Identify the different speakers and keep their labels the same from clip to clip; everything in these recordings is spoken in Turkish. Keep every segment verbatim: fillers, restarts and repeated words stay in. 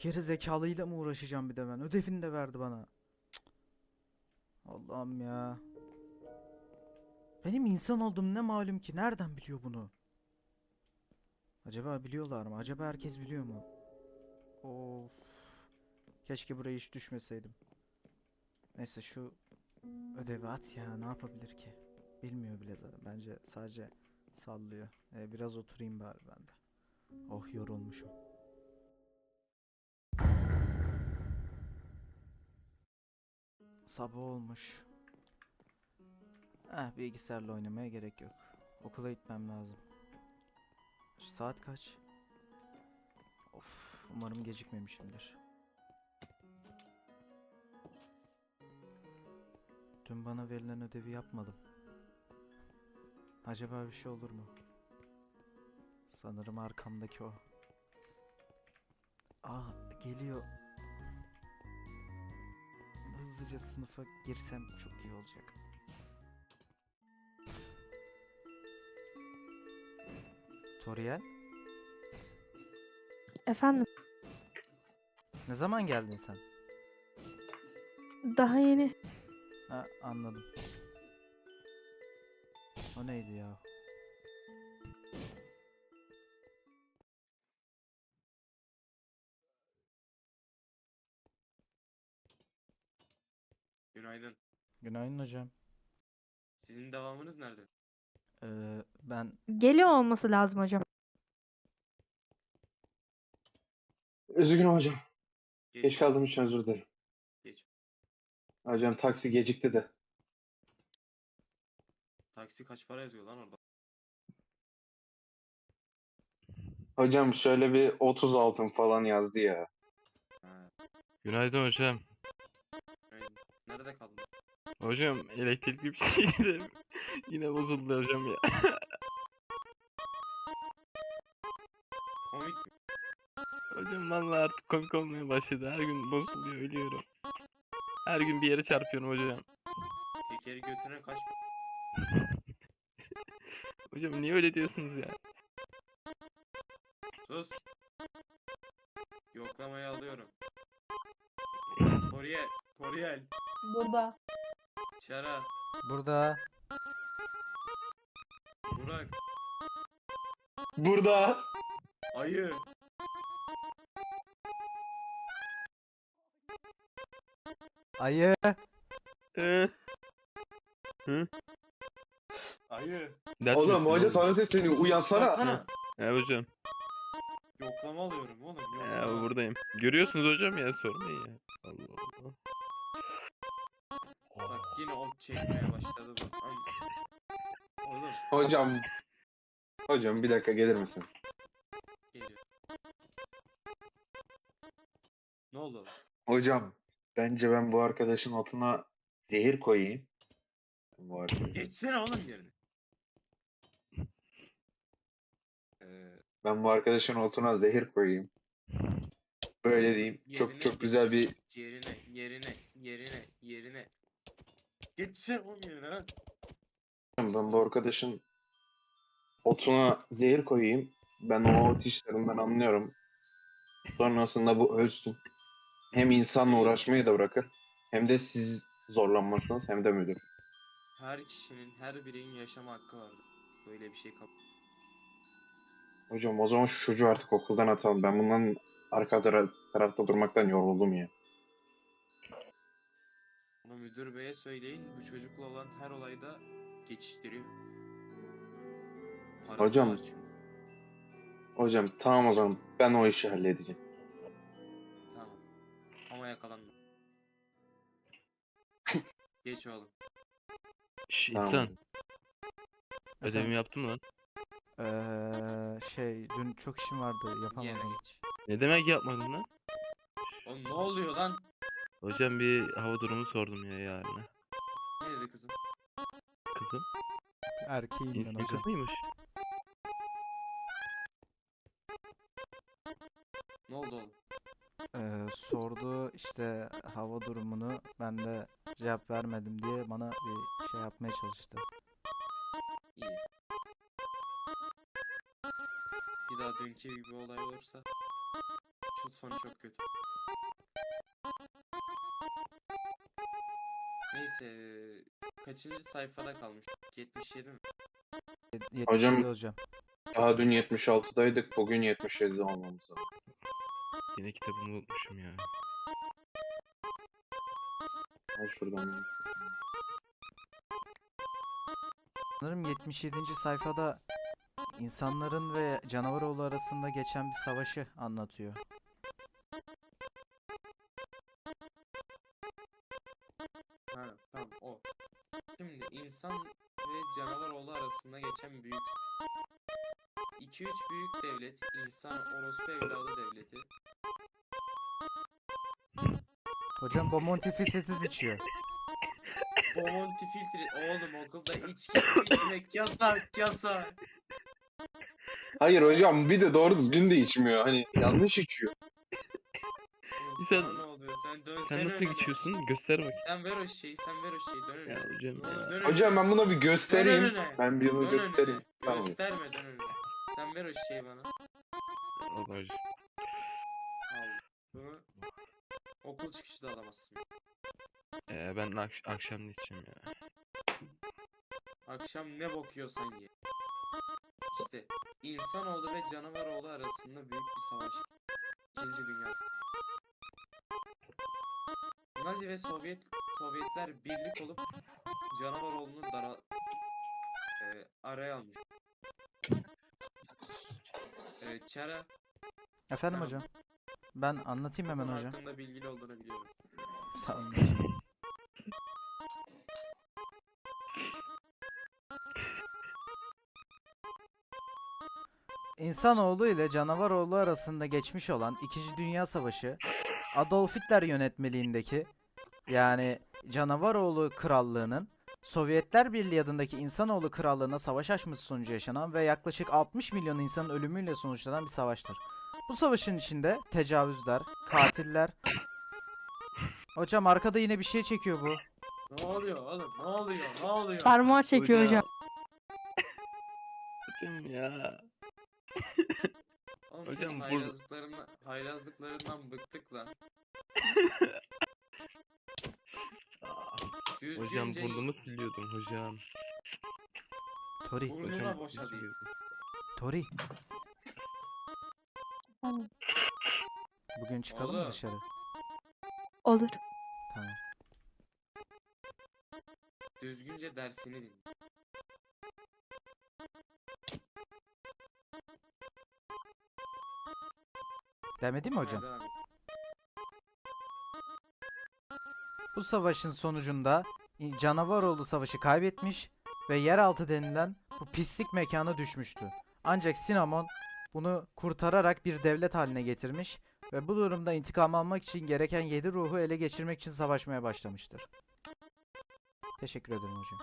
Speaker 1: geri zekalıyla mı uğraşacağım bir de ben? Ödevini de verdi bana. Cık. Allah'ım ya. Benim insan olduğum ne malum ki? Nereden biliyor bunu? Acaba biliyorlar mı? Acaba herkes biliyor mu? Of. Keşke buraya hiç düşmeseydim. Neyse şu ödevi at ya. Ne yapabilir ki? Bilmiyor bile zaten. Bence sadece sallıyor. Ee, biraz oturayım bari ben de. Oh, yorulmuşum. Sabah olmuş. Eh, bilgisayarla oynamaya gerek yok. Okula gitmem lazım. Saat kaç? Of, umarım gecikmemişimdir. Dün bana verilen ödevi yapmadım. Acaba bir şey olur mu? Sanırım arkamdaki o. Aa, geliyor. Hızlıca sınıfa girsem çok iyi olacak. Toriel,
Speaker 2: Efendim,
Speaker 1: ne zaman geldin sen?
Speaker 2: daha yeni.
Speaker 1: Ha, anladım. O neydi ya?
Speaker 3: Günaydın.
Speaker 1: Günaydın hocam.
Speaker 3: Sizin devamınız nerede?
Speaker 1: Ee, ben
Speaker 2: Geliyor olması lazım hocam.
Speaker 4: Üzgünüm hocam.
Speaker 3: Geç.
Speaker 4: Geç kaldığım için özür dilerim.
Speaker 3: Geç.
Speaker 4: Hocam taksi gecikti de.
Speaker 3: Taksi kaç para yazıyor lan orada?
Speaker 4: Hocam şöyle bir otuz altın falan yazdı ya.
Speaker 3: Ha,
Speaker 5: Günaydın hocam.
Speaker 3: günaydın. Nerede kaldın?
Speaker 5: Hocam elektrikli bir şey dedim. Yine bozuldu hocam ya.
Speaker 3: Komik mi?
Speaker 5: Hocam vallahi artık komik olmaya başladı. Her gün bozuluyor, ölüyorum. Her gün bir yere çarpıyorum hocam.
Speaker 3: Tekeri götüne kaç para?
Speaker 5: Hocam niye öyle diyorsunuz ya?
Speaker 3: Sus. Yoklamayı alıyorum. Toriel. Toriel.
Speaker 2: Burada.
Speaker 3: Çara.
Speaker 1: burada.
Speaker 3: Burak.
Speaker 4: Burada.
Speaker 3: Ayı.
Speaker 1: Ayı.
Speaker 5: Ee, Hı?
Speaker 3: Ayı.
Speaker 5: Ders mi
Speaker 4: Oğlum hoca
Speaker 5: yapıyorsun
Speaker 4: sana sesleniyor.
Speaker 3: Sesi
Speaker 4: Uyansana.
Speaker 3: çıkarsana.
Speaker 5: He hocam.
Speaker 3: Yoklama alıyorum oğlum.
Speaker 5: He
Speaker 3: Yoklama.
Speaker 5: buradayım. Görüyorsunuz hocam ya, sormayın ya. Allah Allah.
Speaker 3: Bak yine ok çekmeye başladı bu. Am- Oğlum
Speaker 4: Hocam. Hocam bir dakika gelir misin?
Speaker 3: geliyor. Ne oldu oğlum?
Speaker 4: Hocam bence ben bu arkadaşın otuna zehir koyayım. Bu arkadaş.
Speaker 3: Geçsene oğlum yerine. Ee,
Speaker 4: Ben bu arkadaşın otuna zehir koyayım. Böyle diyeyim. Çok
Speaker 3: yerine
Speaker 4: çok güzel bir...
Speaker 3: geç. Yerine, yerine, yerine, yerine. Geçsene oğlum yerine lan.
Speaker 4: Ben bu arkadaşın otuna zehir koyayım. Ben o ot işlerinden anlıyorum. Sonrasında bu ölsün. Hem insanla uğraşmayı da bırakır. Hem de siz zorlanmazsınız hem de müdür.
Speaker 3: Her kişinin, her bireyin yaşama hakkı vardır. Böyle bir şey kabul.
Speaker 4: Hocam o zaman şu çocuğu artık okuldan atalım. Ben bundan arka tara- tarafta durmaktan yoruldum ya.
Speaker 3: Ama müdür beye söyleyin, bu çocukla olan her olayda geçiştiriyor. Parası
Speaker 4: Hocam.
Speaker 3: var çünkü.
Speaker 4: Hocam tamam o zaman ben o işi halledeceğim.
Speaker 3: Tamam. Ama yakalanma. Geç oğlum.
Speaker 5: Şş,
Speaker 4: Tamam.
Speaker 5: insan.
Speaker 4: hocam.
Speaker 5: Ödevimi yaptım lan.
Speaker 1: Ee, şey dün çok işim vardı,
Speaker 3: Yerine
Speaker 1: yapamadım.
Speaker 3: geç.
Speaker 5: Ne demek yapmadın lan?
Speaker 3: Oğlum ne oluyor lan?
Speaker 5: Hocam bir hava durumu sordum ya yarına.
Speaker 3: Ne dedi kızım?
Speaker 5: Kızım.
Speaker 1: Erkeğim ben
Speaker 5: İnsan
Speaker 1: hocam.
Speaker 5: kız mıymış?
Speaker 3: Ne oldu oğlum?
Speaker 1: Ee, sordu işte hava durumunu, ben de cevap vermedim diye bana bir şey yapmaya çalıştı.
Speaker 3: İyi. Bir daha dünkü gibi olay olursa Şu son çok kötü. Neyse. Kaçıncı sayfada kalmış? yetmiş yedi mi?
Speaker 1: yetmiş
Speaker 4: Hocam-
Speaker 1: yedi hocam.
Speaker 4: Daha dün yetmiş altıdaydık. Bugün yetmiş yedide olmamız lazım.
Speaker 5: Yine kitabımı unutmuşum ya.
Speaker 4: Al şuradan. ya.
Speaker 1: Sanırım yetmiş yedinci sayfada insanların ve canavaroğlu arasında geçen bir savaşı anlatıyor.
Speaker 3: Ha tamam o. Şimdi insan ve canavaroğlu arasında geçen büyük iki üç büyük devlet, insan orospu evladı devleti.
Speaker 1: Hocam Bomonti filtresiz içiyor.
Speaker 3: Bomonti filtre. Oğlum okulda içki içmek yasak yasak.
Speaker 4: Hayır hocam bir de doğru düzgün de içmiyor. Hani yanlış içiyor.
Speaker 3: Oğlum
Speaker 5: Sen-
Speaker 3: sana ne oluyor? Sen dönsene
Speaker 5: Sen nasıl
Speaker 3: önüne.
Speaker 5: geçiyorsun? Göster bakayım.
Speaker 3: Sen ver o şeyi, sen ver o şeyi. Dön önüne.
Speaker 5: Ya hocam
Speaker 3: Oğlum
Speaker 5: ya.
Speaker 3: dön
Speaker 4: Hocam
Speaker 3: önüne.
Speaker 4: ben buna bir
Speaker 3: Dön
Speaker 4: göstereyim.
Speaker 3: önüne.
Speaker 4: Ben bir bunu
Speaker 3: Dön
Speaker 4: göstereyim.
Speaker 3: önüne.
Speaker 4: Tamam.
Speaker 3: Gösterme dön önüne. Sen ver o şeyi bana.
Speaker 5: Allah hocam.
Speaker 3: Al. Bunu okul çıkışı da alamazsın.
Speaker 5: Ee, ben akş akşam ne içeceğim ya?
Speaker 3: Akşam ne bokuyorsan ye. İşte insanoğlu ve canavaroğlu arasında büyük bir savaş. İkinci Dünya Savaşı. Nazi ve Sovyet Sovyetler birlik olup canavaroğlunu dara e, araya almış. E, Çara
Speaker 1: Efendim
Speaker 3: Tamam.
Speaker 1: hocam. Ben anlatayım
Speaker 3: bu
Speaker 1: hemen
Speaker 3: konu
Speaker 1: hocam.
Speaker 3: hakkında bilgili olduğunu biliyorum.
Speaker 1: Sağ olun hocam. İnsanoğlu ile canavaroğlu arasında geçmiş olan İkinci Dünya Savaşı Adolf Hitler yönetmeliğindeki yani Canavaroğlu Krallığı'nın Sovyetler Birliği adındaki İnsanoğlu Krallığı'na savaş açması sonucu yaşanan ve yaklaşık altmış milyon insanın ölümüyle sonuçlanan bir savaştır. Bu savaşın içinde tecavüzler, katiller... Hocam arkada yine bir şey çekiyor bu.
Speaker 3: Ne oluyor oğlum? Ne oluyor? Ne oluyor?
Speaker 2: Parmağı çekiyor hocam.
Speaker 5: Hocam ya.
Speaker 3: Oğlum
Speaker 5: Hocam
Speaker 3: senin
Speaker 5: burada-
Speaker 3: haylazlıklarından, haylazlıklarından bıktık lan.
Speaker 5: Hocam
Speaker 3: Düzgünce
Speaker 5: burnumu siliyordum hocam.
Speaker 1: Tori,
Speaker 3: Burnuna
Speaker 5: Hocam
Speaker 3: boşa değil.
Speaker 1: Tori.
Speaker 2: Tamam.
Speaker 1: Bugün çıkalım mı
Speaker 3: Oğlum.
Speaker 1: dışarı?
Speaker 2: Olur.
Speaker 1: Tamam.
Speaker 3: düzgünce dersini dinle.
Speaker 1: Demedi mi hocam?
Speaker 3: Ha, devam et.
Speaker 1: Bu savaşın sonucunda İ- Canavaroğlu savaşı kaybetmiş ve yeraltı denilen bu pislik mekana düşmüştü. Ancak Sinamon bunu kurtararak bir devlet haline getirmiş ve bu durumda intikam almak için gereken yedi ruhu ele geçirmek için savaşmaya başlamıştır. Teşekkür ederim hocam.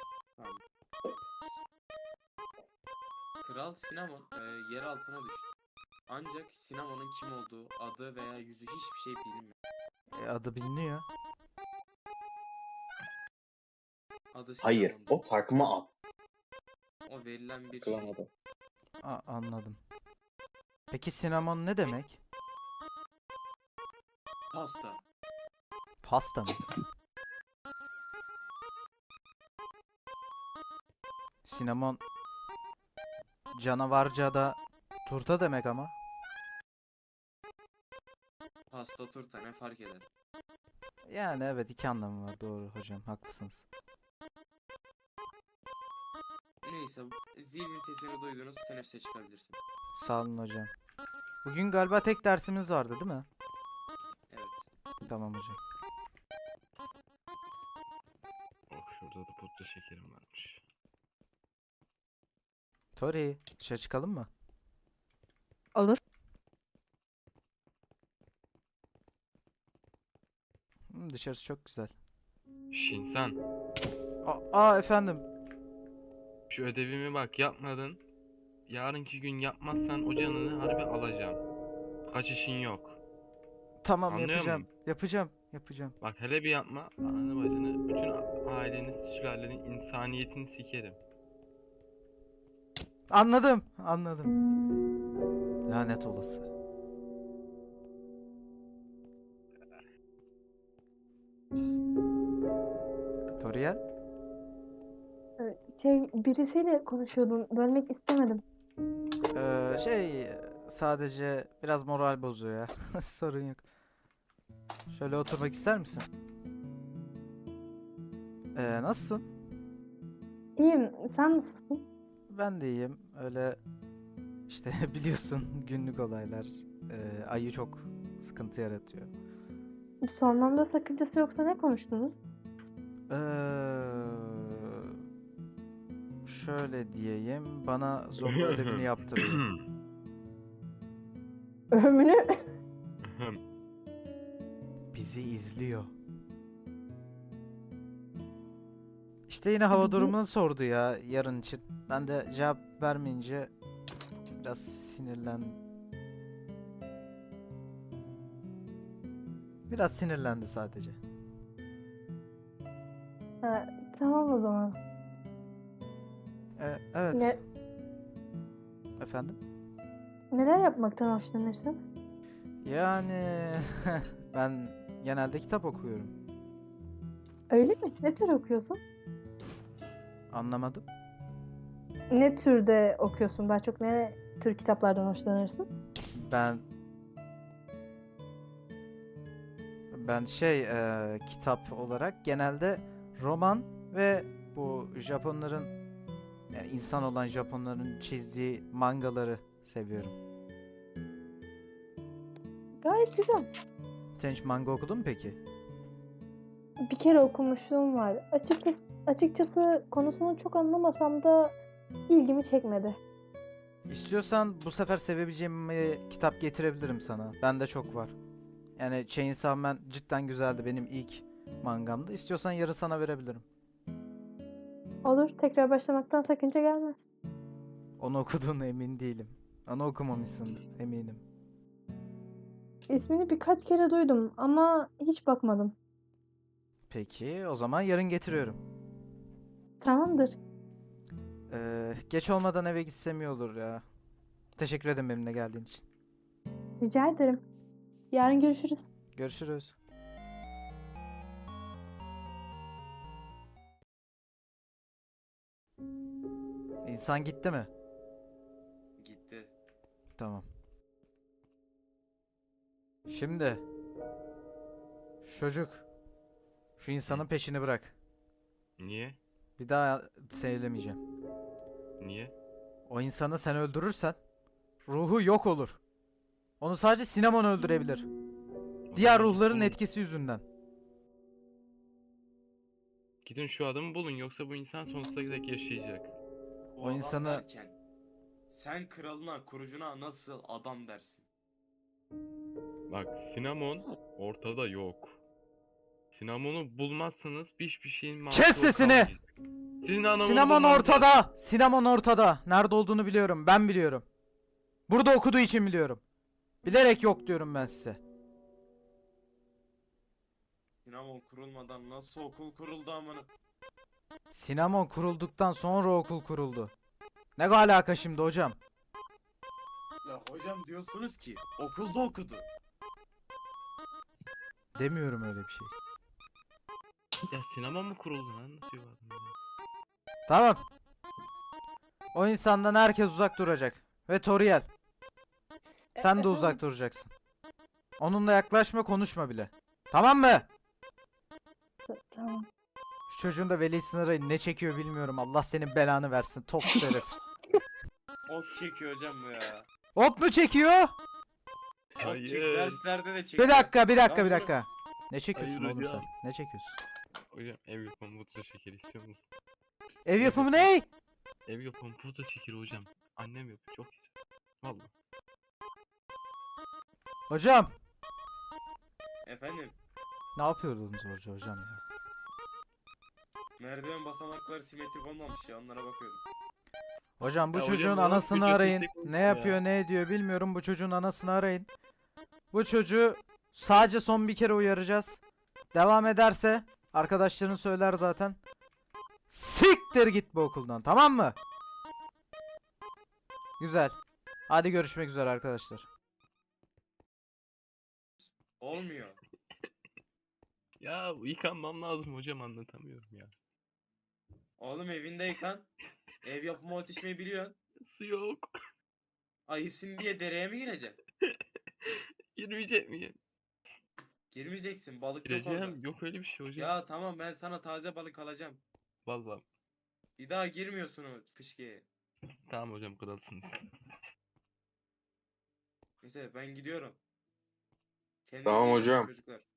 Speaker 3: Kral Sinamon e, yer altına düştü. Ancak Sinamon'un kim olduğu, adı veya yüzü hiçbir şey bilinmiyor.
Speaker 1: E, adı biliniyor.
Speaker 3: Adı
Speaker 4: Hayır.
Speaker 3: Sinamon'du.
Speaker 4: O takma at.
Speaker 3: O verilen bir
Speaker 4: Klan
Speaker 3: şey.
Speaker 4: adı.
Speaker 1: A- anladım. Peki Sinamon ne demek?
Speaker 3: Pasta.
Speaker 1: Pasta mı? Sinamon canavarca'da turta demek ama.
Speaker 3: Pasta turta ne fark eder?
Speaker 1: Yani evet iki anlamı var doğru hocam haklısınız.
Speaker 3: Neyse zilin sesini duydunuz teneffüse çıkabilirsin.
Speaker 1: Sağ olun hocam. Bugün galiba tek dersimiz vardı değil mi?
Speaker 3: Evet.
Speaker 1: Tamam hocam.
Speaker 5: Oh şurada da pudra şekerim varmış.
Speaker 1: Tori dışarı çıkalım mı?
Speaker 2: Olur.
Speaker 1: Hı, dışarısı çok güzel.
Speaker 5: Şinsan.
Speaker 1: Aa, aa efendim.
Speaker 5: Şu ödevimi bak yapmadın. Yarınki gün yapmazsan o canını harbi alacağım. Kaçışın yok.
Speaker 1: Tamam
Speaker 5: Anlıyor
Speaker 1: yapacağım.
Speaker 5: musun?
Speaker 1: Yapacağım. Yapacağım.
Speaker 5: Bak hele bir yapma. Ananı bacını, bütün a- aileni, sülalenin insaniyetini sikerim.
Speaker 1: Anladım. Anladım. Lanet olası. Toriel?
Speaker 6: Ee, Şey, birisiyle konuşuyordum. Bölmek istemedim.
Speaker 1: Ee, şey sadece biraz moral bozuyor ya. Sorun yok. Şöyle oturmak ister misin? Ee, nasılsın?
Speaker 6: İyiyim. Sen nasılsın?
Speaker 1: Ben de iyiyim. Öyle işte biliyorsun günlük olaylar. Ee, ayı çok sıkıntı yaratıyor.
Speaker 6: Sormamda sakıncası yoksa ne konuştunuz?
Speaker 1: Ee, şöyle diyeyim. Bana zorla ödevini yaptırıyor.
Speaker 6: Ömrünü...
Speaker 1: Bizi izliyor. İşte yine hava durumunu sordu ya yarın için. Ben de cevap vermeyince biraz sinirlen. Biraz sinirlendi sadece.
Speaker 6: Ha, tamam o zaman.
Speaker 1: E, evet.
Speaker 6: Ne,
Speaker 1: Efendim?
Speaker 6: neler yapmaktan hoşlanırsın?
Speaker 1: Yani ben genelde kitap okuyorum.
Speaker 6: Öyle mi? Ne tür okuyorsun?
Speaker 1: Anlamadım.
Speaker 6: Ne türde okuyorsun? Daha çok ne tür kitaplardan hoşlanırsın?
Speaker 1: Ben ben şey e, kitap olarak genelde roman ve bu Japonların yani insan olan Japonların çizdiği mangaları seviyorum.
Speaker 6: Gayet güzel.
Speaker 1: Sen hiç manga okudun mu peki?
Speaker 6: Bir kere okumuşluğum var. Açıkçası, açıkçası konusunu çok anlamasam da ilgimi çekmedi.
Speaker 1: İstiyorsan bu sefer sevebileceğim bir kitap getirebilirim sana. Bende çok var. Yani Chainsaw Man cidden güzeldi. Benim ilk mangamdı. İstiyorsan yarın sana verebilirim.
Speaker 6: Olur, tekrar başlamaktan sakınca gelmez.
Speaker 1: Onu okuduğuna emin değilim. Onu okumamışsın eminim.
Speaker 6: İsmini birkaç kere duydum ama hiç bakmadım.
Speaker 1: Peki o zaman yarın getiriyorum.
Speaker 6: Tamamdır.
Speaker 1: Ee, geç olmadan eve gitsem iyi olur ya. Teşekkür ederim benimle geldiğin için.
Speaker 6: Rica ederim. Yarın görüşürüz.
Speaker 1: Görüşürüz. İnsan gitti mi?
Speaker 3: Gitti.
Speaker 1: Tamam. Şimdi şu çocuk şu insanın peşini bırak.
Speaker 5: Niye?
Speaker 1: Bir daha söylemeyeceğim.
Speaker 5: Niye?
Speaker 1: O insanı sen öldürürsen ruhu yok olur. Onu sadece Cinnamon öldürebilir.
Speaker 5: O
Speaker 1: Diğer
Speaker 5: zaman
Speaker 1: ruhların
Speaker 5: gidin-
Speaker 1: etkisi yüzünden.
Speaker 5: Gidin şu adamı bulun yoksa bu insan sonsuza dek yaşayacak.
Speaker 3: O,
Speaker 1: O
Speaker 3: adam
Speaker 1: insanı-
Speaker 3: derken sen kralına, kurucuna nasıl adam dersin?
Speaker 5: Bak Cinnamon ortada yok. Cinnamon'u bulmazsanız hiçbir şeyin mantığı
Speaker 1: Kes sesini!
Speaker 5: kalmayacak. Cinnamon'u
Speaker 1: Cinnamon
Speaker 5: bulmanız
Speaker 1: ortada!
Speaker 5: lazım.
Speaker 1: Cinnamon ortada! Nerede olduğunu biliyorum. Ben biliyorum. Burada okuduğu için biliyorum. Bilerek yok diyorum ben size.
Speaker 3: Dinamo kurulmadan nasıl okul kuruldu amına?
Speaker 1: Cinnamon kurulduktan sonra okul kuruldu. Ne alaka şimdi hocam?
Speaker 3: Ya hocam diyorsunuz ki okulda okudu.
Speaker 1: Demiyorum öyle bir şey.
Speaker 5: Ya Cinnamon mu kuruldu lan? Nasıl bir adam ya?
Speaker 1: Tamam. O insandan herkes uzak duracak. Ve Toriel. Sen de uzak duracaksın. Onunla yaklaşma, konuşma bile. Tamam mı?
Speaker 6: T- Tamam.
Speaker 1: Şu çocuğun da velisini arayın. Ne çekiyor bilmiyorum. Allah senin belanı versin. Top herif.
Speaker 3: Ok çekiyor hocam bu ya.
Speaker 1: Hop mu çekiyor?
Speaker 3: Ok
Speaker 5: Hayır.
Speaker 3: çek derslerde de çekiyor.
Speaker 1: Bir dakika, bir dakika,
Speaker 3: Lan
Speaker 1: bir
Speaker 3: bunu-
Speaker 1: dakika. Ne çekiyorsun
Speaker 5: Hayır
Speaker 1: oğlum
Speaker 5: hocam.
Speaker 1: sen? Ne çekiyorsun?
Speaker 5: Hocam ev yapımı pudra şekeri istiyor musun?
Speaker 1: Ev yapımı ne?
Speaker 5: Ev yapımı pudra şekeri hocam. Annem yapıyor çok güzel. Vallahi.
Speaker 1: Hocam.
Speaker 3: Efendim
Speaker 1: Ne yapıyordunuz orada hocam ya?
Speaker 3: merdiven basamakları simetrik olmamış ya, onlara bakıyordum.
Speaker 1: Hocam bu
Speaker 5: Ya hocam,
Speaker 1: çocuğun
Speaker 5: bu nasıl
Speaker 1: anasını
Speaker 5: bir
Speaker 1: arayın.
Speaker 5: kötülük olmuş
Speaker 1: Ne
Speaker 5: ya?
Speaker 1: yapıyor, ne ediyor bilmiyorum. Bu çocuğun anasını arayın. Bu çocuğu sadece son bir kere uyaracağız. Devam ederse arkadaşların söyler zaten. Siktir git bu okuldan, tamam mı? Güzel. Hadi görüşmek üzere arkadaşlar.
Speaker 3: Olmuyor.
Speaker 5: Ya yıkanmam lazım hocam anlatamıyorum ya.
Speaker 3: Oğlum evinde yıkan. Ev yapımı ot içmeyi biliyorsun.
Speaker 5: Su yok.
Speaker 3: Ayısın diye dereye mi gireceksin?
Speaker 5: Girmeyecek miyim?
Speaker 3: Girmeyeceksin. Balık yok orada.
Speaker 5: Gireceğim. Yok öyle bir şey hocam.
Speaker 3: Ya tamam ben sana taze balık alacağım.
Speaker 5: Vallahi.
Speaker 3: Bir daha girmiyorsun o fışkiye.
Speaker 5: Tamam hocam kralsınız.
Speaker 3: Neyse ben gidiyorum. Kendinize
Speaker 4: Tamam
Speaker 3: iyi bakın
Speaker 4: hocam.
Speaker 3: çocuklar.